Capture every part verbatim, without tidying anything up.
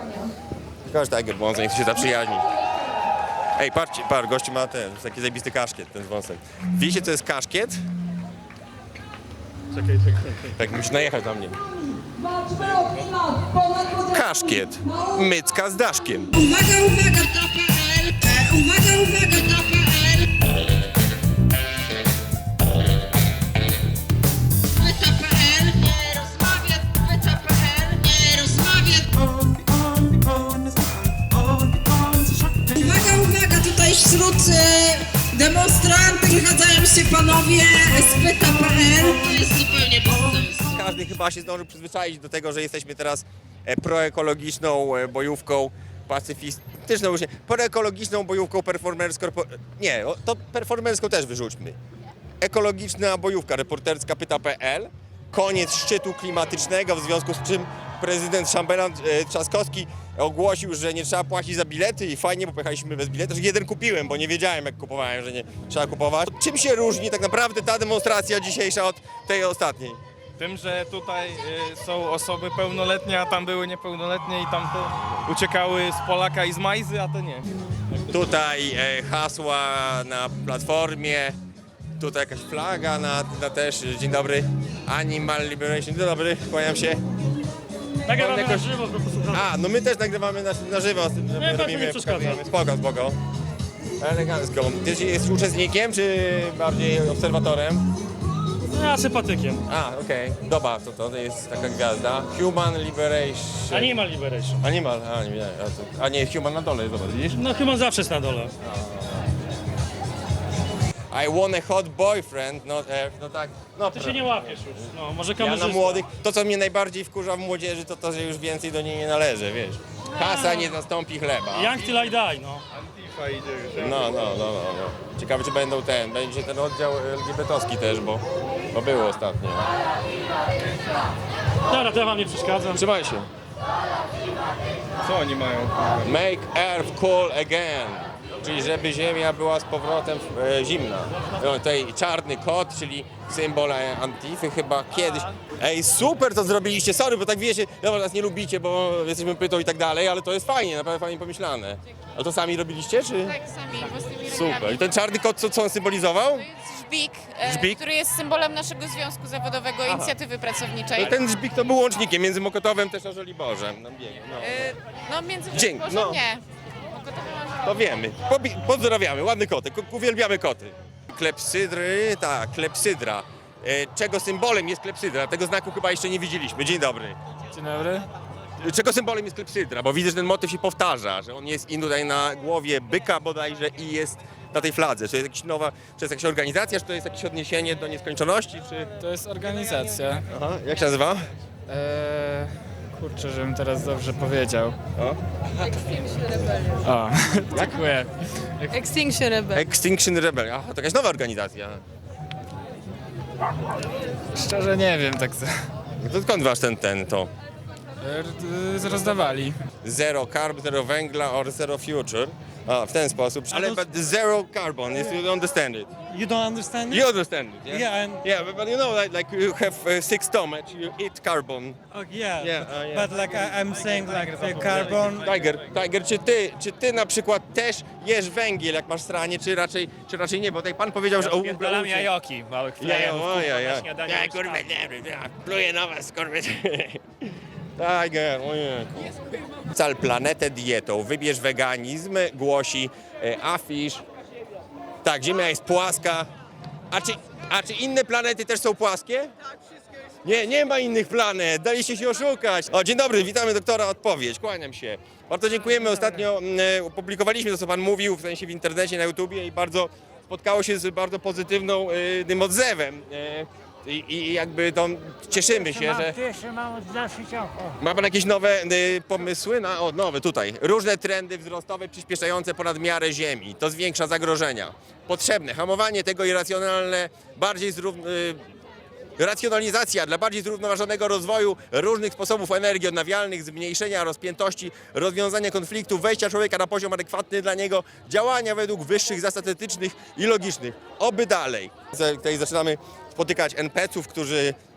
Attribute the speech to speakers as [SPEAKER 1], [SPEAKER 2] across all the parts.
[SPEAKER 1] Każdy Tiger wąsem, niech się zaprzyjaźni. Ej, patrzcie, par, gościu ma ten, taki zajebisty kaszkiet, ten z wąsem. Wiecie, co jest kaszkiet?
[SPEAKER 2] Czekaj, czekaj.
[SPEAKER 1] Tak, musisz najechać na mnie. Kaszkiet. Mycka z daszkiem.
[SPEAKER 3] Uwaga, uwaga, to P L. E, uwaga, uwaga, to P L. Pyta P L. Nie rozmawia. Pyta P L. Nie rozmawia. Uwaga, uwaga, tutaj wśród e, demonstrantów wychadzają się panowie z Pyta P L. To jest zupełnie bez sensu.
[SPEAKER 1] Każdy chyba się zdążył przyzwyczaić do tego, że jesteśmy teraz e, proekologiczną e, bojówką pacyfistyczną, już nie, proekologiczną bojówką performerską. Nie, o, to performerską też wyrzućmy. Ekologiczna bojówka reporterska Pyta kropka pe el. Koniec szczytu klimatycznego, w związku z czym prezydent Szambelan e, Trzaskowski ogłosił, że nie trzeba płacić za bilety i fajnie, bo pojechaliśmy bez biletu. Jeden kupiłem, bo nie wiedziałem, jak kupowałem, że nie trzeba kupować. Czym się różni tak naprawdę ta demonstracja dzisiejsza od tej ostatniej?
[SPEAKER 2] Tym, że tutaj y, są osoby pełnoletnie, a tam były niepełnoletnie i tamte uciekały z Polaka i z Majzy, a te nie.
[SPEAKER 1] Tutaj e, hasła na platformie, tutaj jakaś flaga na, na też, dzień dobry, Animal Liberation, dzień dobry, kłaniam się.
[SPEAKER 4] Nagrywamy
[SPEAKER 1] Jakoś-
[SPEAKER 4] na żywo, żeby posłuchać.
[SPEAKER 1] A, no my też nagrywamy na, na żywo, z tym, że
[SPEAKER 4] Nie,
[SPEAKER 1] my
[SPEAKER 4] tak,
[SPEAKER 1] robimy,
[SPEAKER 4] nie przeszkadza.
[SPEAKER 1] pokazujemy. Spoko, spoko. Elegancko. Ty jesteś uczestnikiem, czy bardziej obserwatorem?
[SPEAKER 4] No, ja sympatykiem.
[SPEAKER 1] A, okej, dobra, to, to jest taka gwiazda. Human Liberation.
[SPEAKER 4] Animal Liberation.
[SPEAKER 1] Animal, a nie, a, to, a nie, Human na dole, zobacz, widzisz?
[SPEAKER 4] No chyba zawsze jest na dole.
[SPEAKER 1] I want a hot boyfriend, no, e, no tak. No,
[SPEAKER 4] Ty się nie łapiesz już. No, może
[SPEAKER 1] Ja
[SPEAKER 4] kamerzysta.
[SPEAKER 1] na młodych, to co mnie najbardziej wkurza w młodzieży, to to, że już więcej do niej nie należy, wiesz. Kasa nie zastąpi chleba.
[SPEAKER 4] Young till I die, no.
[SPEAKER 2] Antifa idzie już.
[SPEAKER 1] No, no, no, no, no. Ciekawe, czy będą ten, będzie ten oddział el gie be te owski też, bo, bo było ostatnio.
[SPEAKER 4] Dobra, to ja wam nie przeszkadzam.
[SPEAKER 1] Trzymaj się.
[SPEAKER 2] Co oni mają?
[SPEAKER 1] Make earth cool again. Czyli żeby ziemia była z powrotem e, zimna. No, tutaj czarny kot, czyli symbol e, Antify chyba kiedyś. Ej, super to zrobiliście, sorry, bo tak wiecie, no nas nie lubicie, bo jesteśmy pytą i tak dalej, ale to jest fajnie, naprawdę fajnie pomyślane. A to sami robiliście, czy?
[SPEAKER 5] Tak, sami własnymi
[SPEAKER 1] Super.
[SPEAKER 5] rękami.
[SPEAKER 1] I ten czarny kot, co, co on symbolizował?
[SPEAKER 5] To jest żbik, e,
[SPEAKER 1] Żbik?
[SPEAKER 5] który jest symbolem naszego związku zawodowego, inicjatywy pracowniczej.
[SPEAKER 1] No, ten żbik to był łącznikiem między Mokotowem też a Żoliborzem. No, biegnie, no.
[SPEAKER 5] E, no między
[SPEAKER 1] Dzięki,
[SPEAKER 5] Boże,
[SPEAKER 1] no.
[SPEAKER 5] nie. Mokotowy ma-
[SPEAKER 1] To wiemy. Pobi- pozdrawiamy, ładny kotek, Ku- uwielbiamy koty. Klepsydry, tak, klepsydra. E, czego symbolem jest klepsydra? Tego znaku chyba jeszcze nie widzieliśmy. Dzień dobry.
[SPEAKER 2] Dzień dobry.
[SPEAKER 1] Czego symbolem jest klepsydra? Bo widzę, że ten motyw się powtarza, że on jest i tutaj na głowie byka bodajże i jest na tej fladze. Czy to jest jakaś nowa, czy to jest jakaś organizacja, czy to jest jakieś odniesienie do nieskończoności, czy...
[SPEAKER 6] To jest organizacja.
[SPEAKER 1] Aha, jak się nazywa?
[SPEAKER 6] Eee, kurczę, żebym teraz dobrze powiedział.
[SPEAKER 1] O.
[SPEAKER 6] O, dziękuję.
[SPEAKER 7] Extinction Rebel.
[SPEAKER 1] Extinction Rebellion. Aha, to jakaś nowa organizacja.
[SPEAKER 6] Szczerze nie wiem, tak za...
[SPEAKER 1] No to skąd wasz ten, ten, to?
[SPEAKER 6] Eee, rozdawali.
[SPEAKER 1] Zero carb, zero węgla or zero future. A, w ten sposób. Ale
[SPEAKER 8] don't-
[SPEAKER 1] but zero carbon, if you understand it.
[SPEAKER 8] You don't understand it?
[SPEAKER 1] You understand it, yeah?
[SPEAKER 8] Yeah, and
[SPEAKER 1] Yeah, but, but you know, like, like you have uh, six stomach, you eat carbon.
[SPEAKER 8] oh, yeah,
[SPEAKER 1] Yeah, uh, yeah.
[SPEAKER 8] but like I, I'm saying, like the carbon.
[SPEAKER 1] Tiger, Tiger, czy ty, czy ty na przykład też jesz węgiel, jak masz stranie, czy raczej, czy raczej nie? Bo tutaj pan powiedział, że...
[SPEAKER 6] Odpieram jajoki małych
[SPEAKER 1] Ja, ja,
[SPEAKER 6] frajerów,
[SPEAKER 1] o, ja, ja.
[SPEAKER 6] na śniadanie
[SPEAKER 1] Ja,
[SPEAKER 6] już
[SPEAKER 1] kurwa,
[SPEAKER 6] tam.
[SPEAKER 1] nie wiem, ja pluję na was, kurwa. Tiger, ojejku. Cal planetę dietą, wybierz weganizm, głosi e, afisz. Tak, Ziemia jest płaska. A czy, a czy inne planety też są płaskie? Nie, nie ma innych planet, daliście się oszukać. O, dzień dobry, witamy doktora Odpowiedź, kłaniam się. Bardzo dziękujemy, ostatnio mm, e, opublikowaliśmy to, co pan mówił, w sensie w internecie, na YouTubie i bardzo spotkało się z bardzo pozytywną y, tym odzewem. E, i, I jakby to cieszymy się, że... Ma pan jakieś nowe y, pomysły? Na, o, nowe tutaj. Różne trendy wzrostowe przyspieszające ponad miarę Ziemi. To zwiększa zagrożenia. Potrzebne. Hamowanie tego irracjonalne, bardziej zrówn... Y, racjonalizacja dla bardziej zrównoważonego rozwoju różnych sposobów energii odnawialnych, zmniejszenia rozpiętości, rozwiązania konfliktów, wejścia człowieka na poziom adekwatny dla niego, działania według wyższych zasad etycznych i logicznych. Oby dalej. Tutaj zaczynamy spotykać en pe ce ów, którzy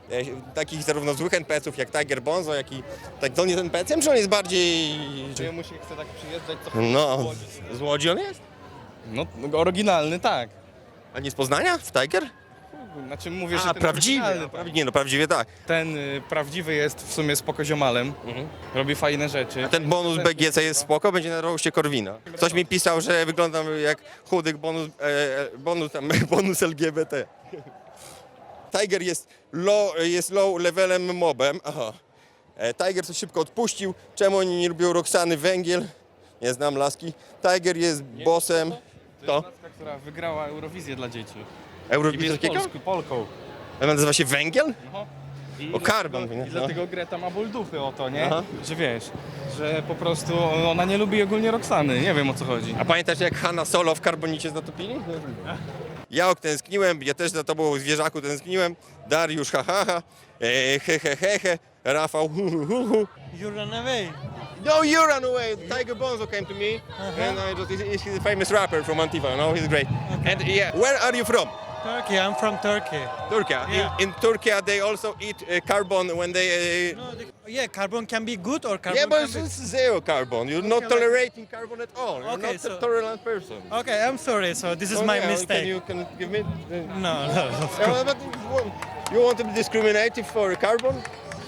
[SPEAKER 1] e, takich zarówno złych en pe ce ów jak Tiger Bonzo, jak i... Tak, to on jest en pe ce em, czy on jest bardziej...
[SPEAKER 2] Czy mu się chce tak przyjeżdżać, co
[SPEAKER 1] No, z Łodzi on jest?
[SPEAKER 2] No, oryginalny, tak.
[SPEAKER 1] A nie z Poznania? W Tiger?
[SPEAKER 2] Znaczy mówię, że
[SPEAKER 1] A,
[SPEAKER 2] ten
[SPEAKER 1] prawdziwy?
[SPEAKER 2] oryginalny,
[SPEAKER 1] Prawi- Nie no, prawdziwie tak.
[SPEAKER 2] Ten y, prawdziwy jest w sumie spokoziomalem,
[SPEAKER 1] Mhm.
[SPEAKER 2] robi fajne rzeczy.
[SPEAKER 1] A ten bonus be ge ce jest spoko, będzie na roście Korwina. Ktoś mi pisał, że wyglądam jak chudych bonus, e, e, bonus, tam, bonus el gie be te. Tiger jest low, jest low levelem mobem. Aha. E, Tiger coś szybko odpuścił. Czemu oni nie lubią Roxany Węgiel? Nie znam laski. Tiger jest bossem.
[SPEAKER 2] To
[SPEAKER 1] To?
[SPEAKER 2] jest laska, która wygrała Eurowizję dla dzieci. I
[SPEAKER 1] Eurowizja
[SPEAKER 2] jest
[SPEAKER 1] takiego?
[SPEAKER 2] Polsku, Polką.
[SPEAKER 1] A nazywa się Węgiel?
[SPEAKER 2] No. I
[SPEAKER 1] O, Carbon,
[SPEAKER 2] I
[SPEAKER 1] nie?
[SPEAKER 2] dlatego Greta ma ból dupy o to, nie?
[SPEAKER 1] Aha.
[SPEAKER 2] Że wiesz, że po prostu ona nie lubi ogólnie Roxany, nie wiem o co chodzi.
[SPEAKER 1] A pamiętasz jak Hanna Solo w Karbonicie zatopili? Ja tęskniłem, ja też za tobą zwierzaku tęskniłem. Dariusz ha ha ha, e, he he he he, Rafał hu hu hu hu.
[SPEAKER 8] You run away.
[SPEAKER 1] No, you run away. Tiger Bonzo came to me, and I just, he's, he's a famous rapper from Antifa. You know, he's great. And yeah, where are you from?
[SPEAKER 8] Turkey. I'm from Turkey.
[SPEAKER 1] Turkey.
[SPEAKER 8] Yeah.
[SPEAKER 1] In, in Turkey, they also eat uh, carbon when they. Uh,
[SPEAKER 8] No, the, yeah, carbon can be good or carbon
[SPEAKER 1] yeah, but
[SPEAKER 8] can
[SPEAKER 1] it's zero carbon. You're not
[SPEAKER 8] Okay, like-
[SPEAKER 1] tolerating carbon at all. You're
[SPEAKER 8] Okay,
[SPEAKER 1] not
[SPEAKER 8] so-
[SPEAKER 1] a tolerant person.
[SPEAKER 8] be... Okay, I'm sorry. So this is
[SPEAKER 1] Oh,
[SPEAKER 8] my
[SPEAKER 1] yeah,
[SPEAKER 8] mistake.
[SPEAKER 1] Can you can give me? Uh,
[SPEAKER 8] No, no. Of
[SPEAKER 1] Yeah,
[SPEAKER 8] course.
[SPEAKER 1] but you want to be discriminative for carbon?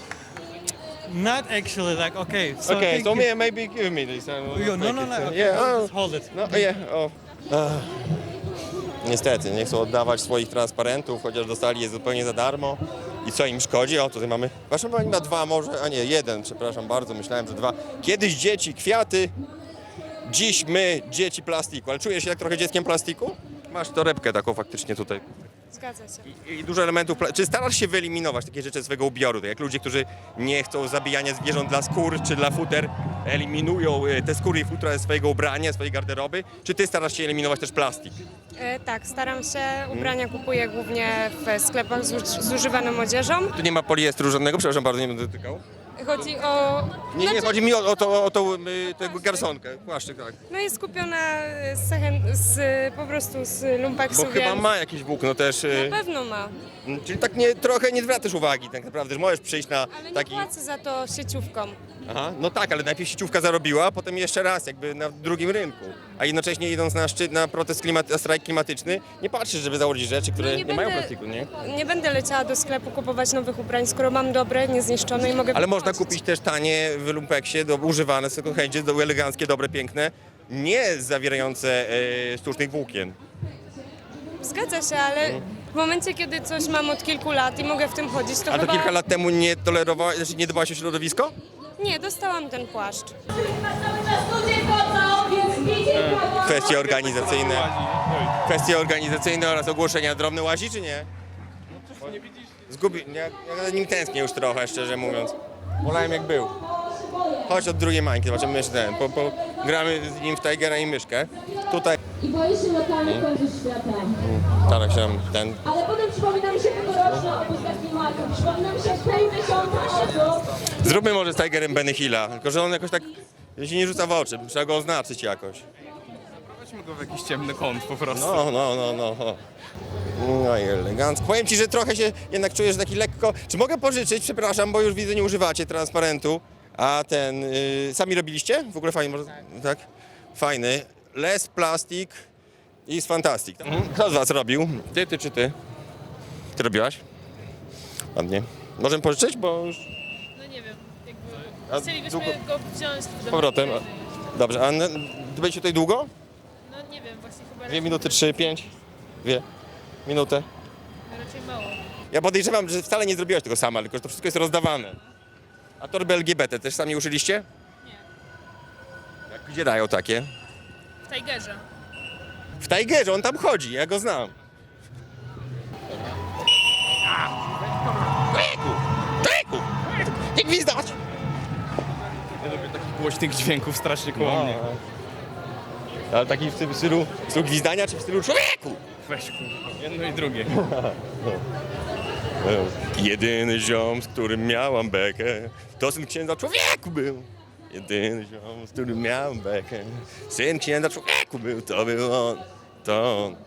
[SPEAKER 8] Not actually. Like, okay. So
[SPEAKER 1] Okay,
[SPEAKER 8] thank
[SPEAKER 1] so
[SPEAKER 8] you.
[SPEAKER 1] may, maybe give me this. I will
[SPEAKER 8] You,
[SPEAKER 1] not
[SPEAKER 8] no,
[SPEAKER 1] take
[SPEAKER 8] no,
[SPEAKER 1] it.
[SPEAKER 8] no. Okay,
[SPEAKER 1] Yeah,
[SPEAKER 8] hold,
[SPEAKER 1] oh,
[SPEAKER 8] it, hold it.
[SPEAKER 1] no, yeah, oh. Ach. Niestety, nie chcą oddawać swoich transparentów, chociaż dostali je zupełnie za darmo. I co im szkodzi? O, tutaj mamy... Wasza pani ma dwa może, a nie, jeden, przepraszam bardzo, myślałem, że dwa. Kiedyś dzieci kwiaty, dziś my dzieci plastiku. Ale czujesz się jak trochę dzieckiem plastiku? Masz torebkę taką faktycznie tutaj.
[SPEAKER 5] Zgadza się.
[SPEAKER 1] I, i dużo elementów. pla- Czy starasz się wyeliminować takie rzeczy ze swojego ubioru? Tak jak ludzie, którzy nie chcą zabijania zwierząt dla skór czy dla futer, eliminują e, te skóry i futra ze swojego ubrania, swojej garderoby? Czy ty starasz się eliminować też plastik?
[SPEAKER 9] E, tak, staram się. Ubrania kupuję głównie w sklepach z, uż- z używaną odzieżą.
[SPEAKER 1] Tu nie ma poliestru żadnego, przepraszam bardzo, nie będę dotykał.
[SPEAKER 9] Chodzi o...
[SPEAKER 1] Nie, nie,
[SPEAKER 9] znaczy,
[SPEAKER 1] chodzi mi o, o, to, o tą y, tę garsonkę, płaszczyk, tak.
[SPEAKER 9] No jest kupiona z, second, z po prostu z lumpeksu,
[SPEAKER 1] Bo chyba
[SPEAKER 9] więc
[SPEAKER 1] ma jakieś włókno też. y,
[SPEAKER 9] na pewno ma.
[SPEAKER 1] m, Czyli tak nie, trochę nie zwracasz uwagi tak naprawdę, że możesz przyjść na
[SPEAKER 9] Ale nie
[SPEAKER 1] taki...
[SPEAKER 9] płacę za to sieciówką.
[SPEAKER 1] Aha, no tak, ale najpierw sieciówka zarobiła, a potem jeszcze raz jakby na drugim rynku. A jednocześnie idąc na szczyt, na protest klimat, na strajk klimatyczny, nie patrzysz, żeby założyć rzeczy, które
[SPEAKER 9] No
[SPEAKER 1] nie,
[SPEAKER 9] nie
[SPEAKER 1] mają
[SPEAKER 9] będę-
[SPEAKER 1] plastiku, nie?
[SPEAKER 9] Nie będę leciała do sklepu kupować nowych ubrań, skoro mam dobre, niezniszczone i mogę
[SPEAKER 1] Ale można
[SPEAKER 9] wychodzić.
[SPEAKER 1] kupić też tanie w lumpeksie, do, używane w second handzie, do, eleganckie, dobre, piękne, nie zawierające e, sztucznych włókien.
[SPEAKER 9] Zgadza się, ale w momencie, kiedy coś mam od kilku lat i mogę w tym chodzić, to
[SPEAKER 1] A to
[SPEAKER 9] chyba...
[SPEAKER 1] kilka lat temu nie tolerowałaś, znaczy nie dbałaś o środowisko?
[SPEAKER 9] Nie, dostałam ten płaszcz.
[SPEAKER 1] Kwestie organizacyjne. Kwestie organizacyjne oraz ogłoszenia drobne łazi, czy nie? Zgubi... Ja, ja za nim tęsknię już trochę, szczerze mówiąc. Wolałem jak był. Chodź od drugiej mańki, zobaczymy jeszcze ten. Po, po, gramy z nim w Tigera i myszkę. Tutaj
[SPEAKER 10] I boi się lokalnych końców świata.
[SPEAKER 1] staram się ten...
[SPEAKER 10] Ale potem przypomina mi się tegoroczna obózka klimatu. Przypomina mi się w tej miesiącu.
[SPEAKER 1] Zróbmy może z Tigerem Benny Hilla, tylko że on jakoś tak się nie rzuca w oczy. Trzeba go oznaczyć jakoś.
[SPEAKER 2] Weźmy go w jakiś ciemny kąt po prostu.
[SPEAKER 1] No, no, no, no. o. No i elegancko. Powiem ci, że trochę się jednak czujesz taki lekko... Czy mogę pożyczyć? Przepraszam, bo już widzę, nie używacie transparentu. A ten... y, sami robiliście? W ogóle fajnie, może... Tak? Fajny. Less plastic is fantastic. Kto z was robił? Ty, ty czy ty? Ty robiłaś? Ładnie. Możemy pożyczyć, bo już...
[SPEAKER 5] No nie wiem,
[SPEAKER 1] A
[SPEAKER 5] jakby chcielibyśmy
[SPEAKER 1] długo-
[SPEAKER 5] go wziąć do
[SPEAKER 1] Z powrotem. Dobrze, a n- ty będziecie tutaj długo?
[SPEAKER 5] No nie wiem, właśnie chyba
[SPEAKER 1] Dwie minuty, trzy, pięć? Dwie? Minutę?
[SPEAKER 5] raczej mało.
[SPEAKER 1] Ja podejrzewam, że wcale nie zrobiłaś tego sama, tylko że to wszystko jest rozdawane. A torby el gie be te też sami uszyliście?
[SPEAKER 5] Nie.
[SPEAKER 1] Jak gdzie dają takie?
[SPEAKER 5] W Tigerze.
[SPEAKER 1] W Tigerze, on tam chodzi, ja go znam. Tyku! Tyku! Nie gwizdać!
[SPEAKER 2] Ja lubię takich głośnych dźwięków strasznie koło mnie.
[SPEAKER 1] Ale taki w tym stylu, w stylu gwizdania, czy w stylu człowieku?
[SPEAKER 2] Weź kurwa, jedno i drugie.
[SPEAKER 1] Jedyny ziom, z którym miałam bekę, to syn księdza człowieku był. Jedyny ziom, z którym miałam bekę, syn księdza człowieku był, to był on. to on.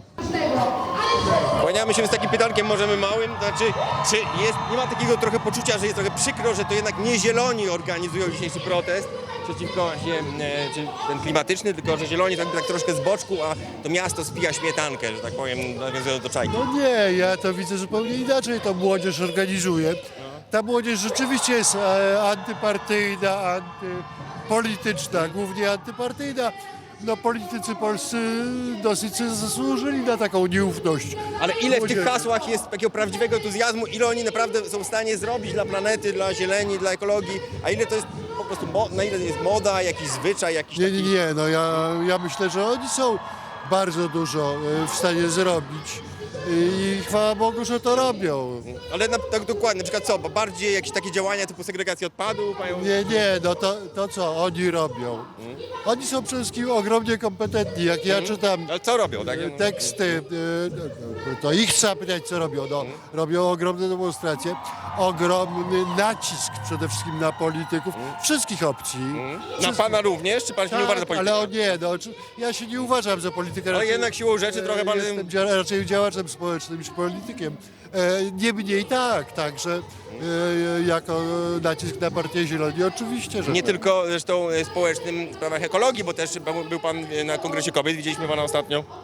[SPEAKER 1] Kłaniamy się z takim pytankiem, możemy małym, znaczy, czy jest, nie ma takiego trochę poczucia, że jest trochę przykro, że to jednak nie zieloni organizują dzisiejszy protest przeciwko właśnie, e, czy ten klimatyczny, tylko że zieloni tak, tak troszkę z boczku, a to miasto spija śmietankę, że tak powiem, nawiązując do czajki.
[SPEAKER 11] No nie, ja to widzę zupełnie inaczej, to młodzież organizuje. Ta młodzież rzeczywiście jest e, antypartyjna, antypolityczna, głównie antypartyjna. No politycy polscy dosyć sobie zasłużyli na taką nieufność.
[SPEAKER 1] Ale ile w tych
[SPEAKER 11] młodzieży.
[SPEAKER 1] hasłach jest takiego prawdziwego entuzjazmu, ile oni naprawdę są w stanie zrobić dla planety, dla zieleni, dla ekologii, a ile to jest po prostu, mo- na ile to jest moda, jakiś zwyczaj, jakiś
[SPEAKER 11] Nie,
[SPEAKER 1] taki...
[SPEAKER 11] nie, nie, no ja, ja myślę, że oni są bardzo dużo e, w stanie zrobić i chwała Bogu, że to robią.
[SPEAKER 1] Ale na, tak dokładnie, na przykład co, bo bardziej jakieś takie działania typu segregacja odpadów mają...
[SPEAKER 11] Nie, nie, no to, to co oni robią? Oni są przede wszystkim ogromnie kompetentni. Jak ja czytam
[SPEAKER 1] Ale co robią, tak?
[SPEAKER 11] e, teksty, e, to ich trzeba pytać, co robią. No, robią ogromne demonstracje, ogromny nacisk przede wszystkim na polityków wszystkich opcji.
[SPEAKER 1] Na
[SPEAKER 11] Wszystkich.
[SPEAKER 1] pana również, czy pan się nie uważa za
[SPEAKER 11] Tak,
[SPEAKER 1] polityka?
[SPEAKER 11] ale o nie, no, czy- ja się nie uważam za polityka.
[SPEAKER 1] Ale
[SPEAKER 11] raczej-
[SPEAKER 1] jednak siłą rzeczy trochę pan-
[SPEAKER 11] Jestem dzia- raczej działaczem społecznym niż politykiem. E, Niemniej tak, także e, jako nacisk na partię Zieloni oczywiście, że
[SPEAKER 1] Nie
[SPEAKER 11] tak.
[SPEAKER 1] tylko zresztą e, społecznym w sprawach ekologii, bo też był- był pan e, na Kongresie Kobiet, widzieliśmy pana ostatnio.
[SPEAKER 11] E,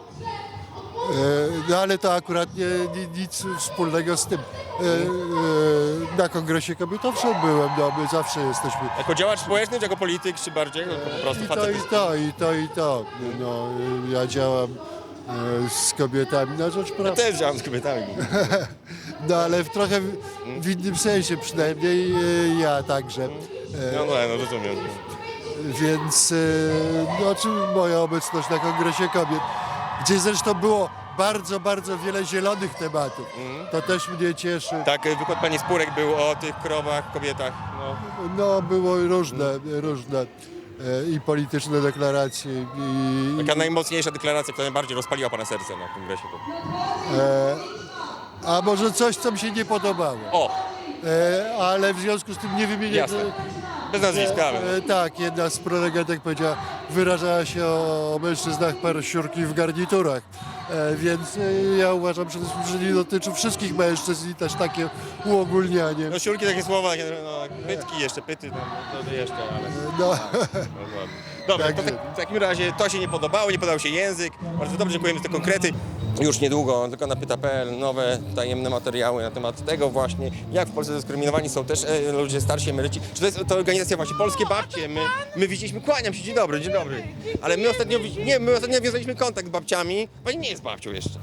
[SPEAKER 11] No ale to akurat nie, nie, nic wspólnego z tym. E, e, Na Kongresie Kobiet owszem byłem, no my zawsze jesteśmy.
[SPEAKER 1] Jako działacz społeczny, czy jako polityk, czy bardziej? No, po prostu
[SPEAKER 11] I to,
[SPEAKER 1] facet.
[SPEAKER 11] i to, i to, i to. No, e, ja działam e, z kobietami na rzecz
[SPEAKER 1] Ja
[SPEAKER 11] praw.
[SPEAKER 1] też działam z kobietami.
[SPEAKER 11] No ale w trochę w, w innym sensie przynajmniej e, ja także. E,
[SPEAKER 1] No, no, no rozumiem.
[SPEAKER 11] Więc e, no, czy moja obecność na Kongresie Kobiet, gdzie zresztą było bardzo, bardzo wiele zielonych tematów. To też mnie cieszy.
[SPEAKER 1] Tak, e, wykład pani Spurek był o tych krowach, kobietach. No.
[SPEAKER 11] No było różne, różne e, i polityczne deklaracje i,
[SPEAKER 1] Taka najmocniejsza deklaracja, która najbardziej rozpaliła pana serce na Kongresie.
[SPEAKER 11] e, a może coś, co mi się nie podobało.
[SPEAKER 1] O,
[SPEAKER 11] E, ale w związku z tym nie wymienię.
[SPEAKER 1] Jasne. bez nazwiska. ale-
[SPEAKER 11] E, tak, jedna z prelegentek powiedziała, wyrażała się o mężczyznach parasiurki w garniturach. E, więc e, ja uważam przede wszystkim, że nie dotyczy wszystkich mężczyzn i też takie uogólnianie.
[SPEAKER 1] No siurki, takie słowa, takie, no, pytki jeszcze, pyty, tam, no, to jeszcze, ale...
[SPEAKER 11] No,
[SPEAKER 1] Dobra, to
[SPEAKER 11] Także.
[SPEAKER 1] tak, w takim razie to się nie podobało, nie podobał się język. Bardzo dobrze, dziękujemy za te konkrety. Już niedługo, tylko na pyta kropka p l, nowe tajemne materiały na temat tego właśnie, jak w Polsce dyskryminowani są też e, ludzie starsi, emeryci. Czy to jest to organizacja właśnie Polskie Babcie? My, my widzieliśmy, kłaniam się, dzień dobry, dzień dobry. Ale my ostatnio, widzi- nie, my ostatnio nawiązaliśmy kontakt z babciami. Pani nie jest babcią jeszcze.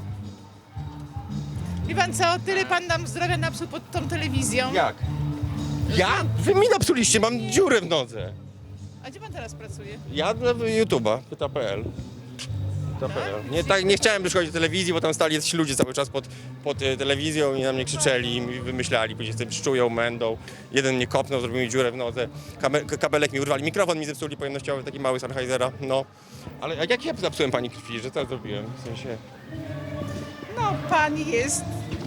[SPEAKER 5] Wie pan co, tyle pan nam zdrowia napsuł pod tą telewizją.
[SPEAKER 1] Jak? Ja? Wy mi napsuliście, mam dziurę w nodze.
[SPEAKER 5] A gdzie pan teraz pracuje?
[SPEAKER 1] Ja dla YouTube'a, pyta kropka p l. Nie, tak, nie chciałem przychodzić do telewizji, bo tam stali jacyś ludzie cały czas pod, pod e, telewizją i na mnie krzyczeli i mi wymyślali, później sobie szczują, mędą. Jeden mnie kopnął, zrobił mi dziurę w nodze, Kabe, kabelek mi urwali, mikrofon mi zepsuli pojemnościowy, taki mały Sennheisera, no. Ale a jak ja zepsułem pani krwi, że co zrobiłem? W sensie...
[SPEAKER 5] No, pan jest...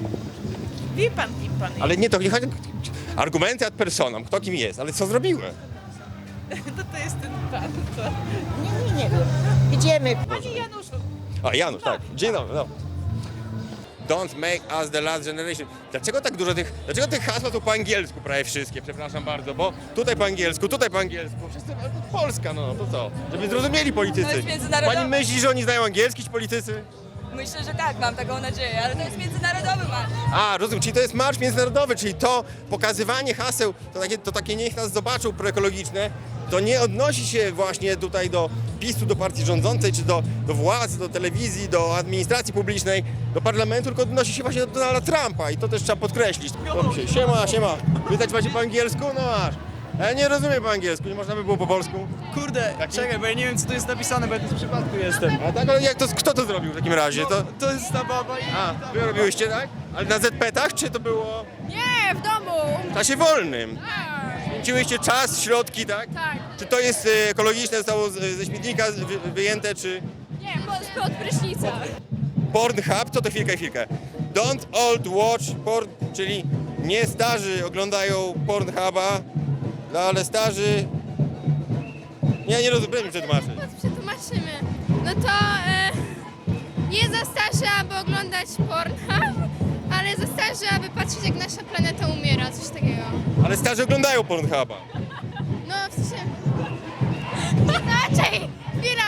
[SPEAKER 5] Wie pan, kim pan jest.
[SPEAKER 1] Ale nie, to nie chodzi... Argumenty ad personam, kto kim jest, ale co zrobiłem?
[SPEAKER 5] To to jest ten pan, to...
[SPEAKER 12] Nie, nie, nie. Idziemy.
[SPEAKER 5] Panie Januszu,
[SPEAKER 1] A, Janusz, tak. Dzień dobry, no. Don't make us the last generation. Dlaczego tak dużo tych, dlaczego tych hasła są po angielsku prawie wszystkie, przepraszam bardzo, bo tutaj po angielsku, tutaj po angielsku, wszyscy, ale to Polska, no, to co? Żeby zrozumieli politycy.
[SPEAKER 12] To jest międzynarodowe.
[SPEAKER 1] Pani myśli, że oni znają angielski, ci politycy?
[SPEAKER 12] Myślę, że tak, mam taką nadzieję, ale to jest międzynarodowy marsz.
[SPEAKER 1] A, rozumiem, czyli to jest marsz międzynarodowy, czyli to pokazywanie haseł, to takie, to takie niech nas zobaczą proekologiczne, to nie odnosi się właśnie tutaj do PiSu, do partii rządzącej, czy do, do władz, do telewizji, do administracji publicznej, do parlamentu, tylko odnosi się właśnie do Donalda Trumpa i to też trzeba podkreślić. Siema, siema, pytać macie po angielsku? No masz. Ja nie rozumiem po angielsku, nie można by było po polsku?
[SPEAKER 6] Kurde, czekaj, bo ja nie wiem, co tu jest napisane, bo ja tu z przypadku jestem.
[SPEAKER 1] A tak, ale jak to, kto to zrobił w takim razie? To,
[SPEAKER 6] To jest ta baba i...
[SPEAKER 1] a, wy robiłyście, tak? Ale na zet petach, czy to było
[SPEAKER 9] Nie, w domu.
[SPEAKER 1] w czasie wolnym? Święciłyście czas, środki, tak?
[SPEAKER 9] Tak.
[SPEAKER 1] Czy to jest e, ekologiczne, zostało z- ze śmietnika wy, wyjęte, czy
[SPEAKER 9] Nie, pod, pod prysznica.
[SPEAKER 1] Pornhub? Co to chwilkę, chwilkę. Don't old watch porn, czyli nie starzy oglądają Pornhuba, no ale starzy... Nie, nie rozumiem, przetłumaczyć.
[SPEAKER 9] Przetłumaczymy. No to... E, Nie za starzy, aby oglądać Pornhub, ale za starzy, aby patrzeć, jak nasza planeta umiera, coś takiego.
[SPEAKER 1] Ale starzy oglądają Pornhuba.
[SPEAKER 9] No, w sensie... Inaczej! Chwila!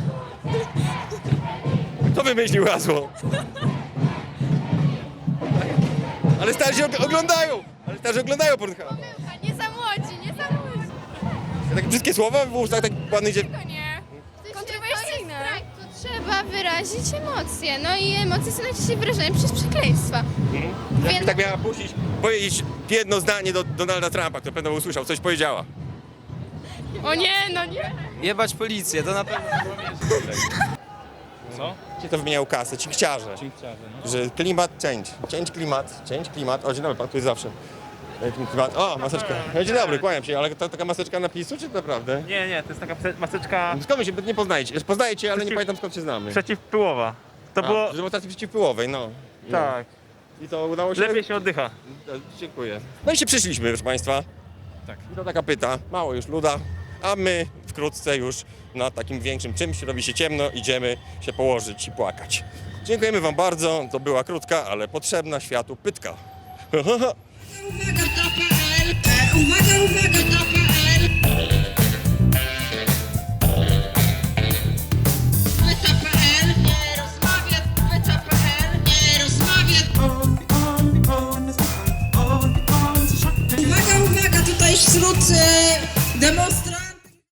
[SPEAKER 1] Kto wymyślił hasło? Ale starzy og- oglądają! Ale starzy oglądają Pornhuba.
[SPEAKER 9] Nie za młodzi, nie za młodzi.
[SPEAKER 1] Takie brzydkie słowa w ustach tak ładnych dziew...
[SPEAKER 9] To nie. Kontrowersyjne. To trzeba wyrazić emocje. No i emocje są najczęściej wyrażane przez przekleństwa.
[SPEAKER 1] Jakby
[SPEAKER 9] Więc-
[SPEAKER 1] tak miała puścić, powiedzieć jedno zdanie do Donalda Trumpa, który pewno usłyszał, coś powiedziała.
[SPEAKER 9] O nie, no nie.
[SPEAKER 2] Jebać policję, to na pewno. Co?
[SPEAKER 1] Ci to wymieniają kasę, ci chciarze. Że klimat change, change klimat, change klimat. O, dzień dobry, pan tu jest zawsze. Jakim klimat? O, maseczka. No, dzień dobry, kłaniam się, ale to taka maseczka na PiSu, czy to naprawdę?
[SPEAKER 13] Nie, nie, to jest taka maseczka
[SPEAKER 1] Skąd my się nie poznajecie? Poznajecie, ale nie pamiętam skąd się znamy.
[SPEAKER 13] przeciwpyłowa. To
[SPEAKER 1] A,
[SPEAKER 13] było...
[SPEAKER 1] z demonstracji przeciwpyłowej, no. no.
[SPEAKER 13] Tak.
[SPEAKER 1] I to udało się?
[SPEAKER 13] Lepiej się oddycha.
[SPEAKER 1] E, Dziękuję. No i się przyszliśmy, proszę państwa.
[SPEAKER 2] Tak.
[SPEAKER 1] I to taka pyta, mało już luda, a my wkrótce już na takim większym czymś, robi się ciemno, idziemy się położyć i płakać. Dziękujemy wam bardzo, to była krótka, ale potrzebna światu pytka.
[SPEAKER 3] Uwaga, to.pl. E, Uwaga, uwaga, to.pl. Pyta.pl. Nie rozmawia. Pyta.pl. Nie rozmawia. Uwaga, uwaga, tutaj wśród e,